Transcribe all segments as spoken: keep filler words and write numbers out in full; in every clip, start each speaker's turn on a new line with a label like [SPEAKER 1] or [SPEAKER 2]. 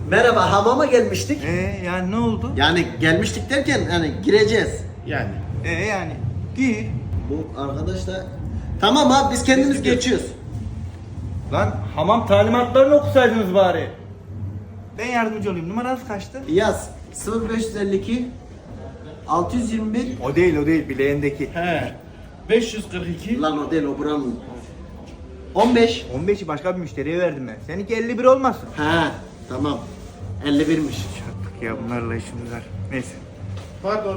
[SPEAKER 1] Merhaba, hamama gelmiştik.
[SPEAKER 2] Ee yani ne oldu?
[SPEAKER 1] Yani gelmiştik derken hani gireceğiz.
[SPEAKER 3] Yani.
[SPEAKER 2] Ee yani gir.
[SPEAKER 1] Bu arkadaş da... Tamam abi biz kendimiz geçiyoruz.
[SPEAKER 2] Lan hamam talimatlarını okusaydınız bari. Ben yardımcı olayım. Numaranız kaçtı?
[SPEAKER 1] Yaz sıfır beş elli iki altı yüz yirmi bir.
[SPEAKER 2] O değil o değil bileğindeki.
[SPEAKER 3] He. beş yüz kırk iki.
[SPEAKER 1] Lan o değil, o buranın. on beş.
[SPEAKER 2] on beşi başka bir müşteriye verdim ben. Seninki elli bir olmasın.
[SPEAKER 1] Ha tamam. elli birmiş.
[SPEAKER 2] Çarptık ya bunlarla işimiz var. Neyse.
[SPEAKER 3] Pardon.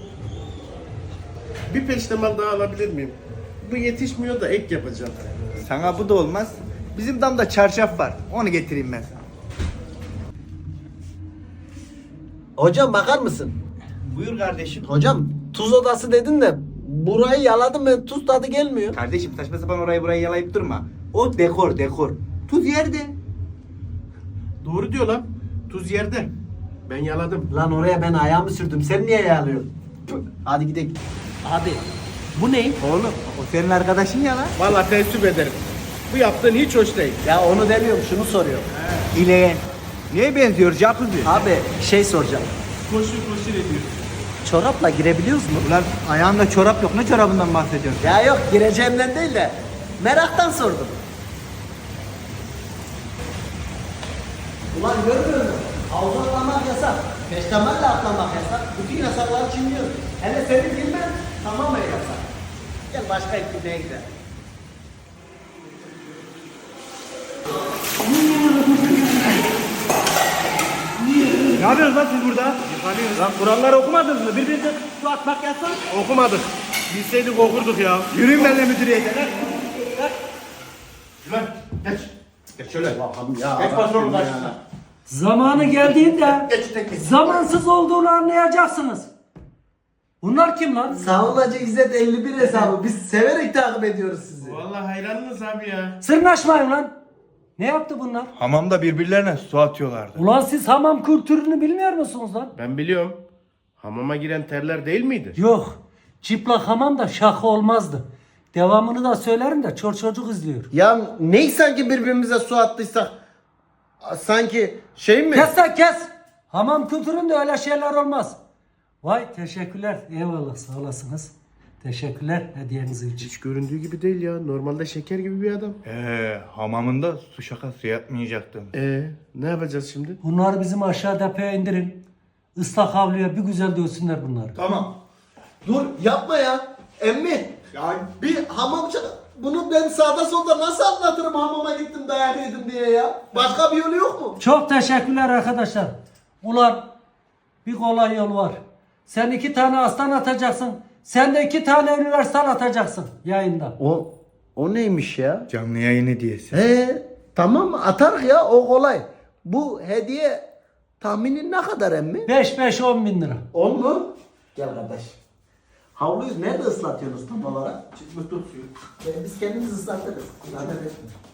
[SPEAKER 3] Bir peştemal daha alabilir miyim? Bu yetişmiyor da ek yapacağım.
[SPEAKER 2] Sana bu da olmaz. Bizim damda çarşaf var. Onu getireyim ben sana.
[SPEAKER 1] Hocam bakar mısın?
[SPEAKER 2] Buyur kardeşim.
[SPEAKER 1] Hocam tuz odası dedin de burayı yaladım ben, tuz tadı gelmiyor.
[SPEAKER 2] Kardeşim saçma sapan orayı burayı yalayıp durma. O dekor dekor. Tuz yerde.
[SPEAKER 3] Doğru diyor lan. Tuz yerde. Ben yaladım.
[SPEAKER 1] Lan oraya ben ayağımı sürdüm, sen niye yalıyorsun? Hadi gidelim. Abi bu ne?
[SPEAKER 2] Oğlum o senin arkadaşın ya lan.
[SPEAKER 3] Vallahi teessüp ederim. Bu yaptığın hiç hoş değil.
[SPEAKER 1] Ya onu demiyorum, şunu soruyorum.
[SPEAKER 2] İleyen. Neye benziyor Jacuzzi?
[SPEAKER 1] Abi şey soracağım.
[SPEAKER 3] Koşur koşur ediyor.
[SPEAKER 1] Çorapla girebiliyoruz mu?
[SPEAKER 2] Ulan ayağında çorap yok. Ne çorabından bahsediyorsun?
[SPEAKER 1] Ya yok, gireceğimden değil de meraktan sordum. Ulan görmüyor musun? Havuza atlamak yasak. Peştemalle atlamak yasak. Bütün yasakları çiğniyor. Hele senin bilmen tamamen yasak. Gel başka etkinliğe gidelim.
[SPEAKER 2] Ne yapıyorsunuz lan siz burada? Lan kuralları okumadınız mı? Birbirinize su atmak yasak.
[SPEAKER 3] Okumadık. Bilseydik okurduk ya.
[SPEAKER 2] Yürüyün benimle müdüriyete.
[SPEAKER 3] Lan geç. Geç şöyle.
[SPEAKER 1] Allah'ım ya.
[SPEAKER 3] Geç patronun
[SPEAKER 1] Rabbim ya.
[SPEAKER 3] karşısına.
[SPEAKER 4] Zamanı geldiğinde
[SPEAKER 3] Geç tek geç.
[SPEAKER 4] zamansız olduğunu anlayacaksınız. Bunlar kim lan?
[SPEAKER 1] Savunmacı İzzet elli bir hesabı. Biz severek takip ediyoruz sizi.
[SPEAKER 3] Vallahi hayranınız abi ya.
[SPEAKER 4] Sırnaşmayın lan. Ne yaptı bunlar?
[SPEAKER 2] Hamamda birbirlerine su atıyorlardı.
[SPEAKER 4] Ulan siz hamam kültürünü bilmiyor musunuz lan?
[SPEAKER 3] Ben biliyorum. Hamama giren terler değil miydi?
[SPEAKER 4] Yok. Çıplak hamam da şaka olmazdı. Devamını da söylerim de çor çocuk izliyor.
[SPEAKER 1] Ya ney sanki birbirimize su attıysak? Sanki şey mi?
[SPEAKER 4] Kes lan kes. Hamam kültüründe öyle şeyler olmaz. Vay teşekkürler. Eyvallah sağ olasınız. Teşekkürler hediyeniz için.
[SPEAKER 3] Hiç göründüğü gibi değil ya. Normalde şeker gibi bir adam.
[SPEAKER 2] Ee, hamamında su şakası yapmayacaktım.
[SPEAKER 3] Ee, ne yapacağız şimdi?
[SPEAKER 4] Bunları bizim aşağı depoya indirin. Islak havluya bir güzel dövsünler bunları.
[SPEAKER 2] Tamam.
[SPEAKER 1] Dur yapma ya. Emmi. Ya bir hamamcı, bunu ben sağda solda nasıl anlatırım hamama gittim dayak yedim diye ya. Başka bir yolu yok mu?
[SPEAKER 4] Çok teşekkürler arkadaşlar. Ulan bir kolay yol var. Sen iki tane aslan atacaksın. Sen de iki tane üniversal atacaksın yayında.
[SPEAKER 1] O o neymiş ya?
[SPEAKER 2] Canlı yayın hediyesi.
[SPEAKER 1] He tamam atarız ya, o kolay. Bu hediye tahminin ne kadar emmi?
[SPEAKER 4] beş beş on bin lira.
[SPEAKER 1] on mu? Gel kardeş. Havluyu nerede ıslatıyorsunuz tam olarak?
[SPEAKER 3] Çıkma tut suyu.
[SPEAKER 1] Biz kendimiz ıslatırız. Zaten etme.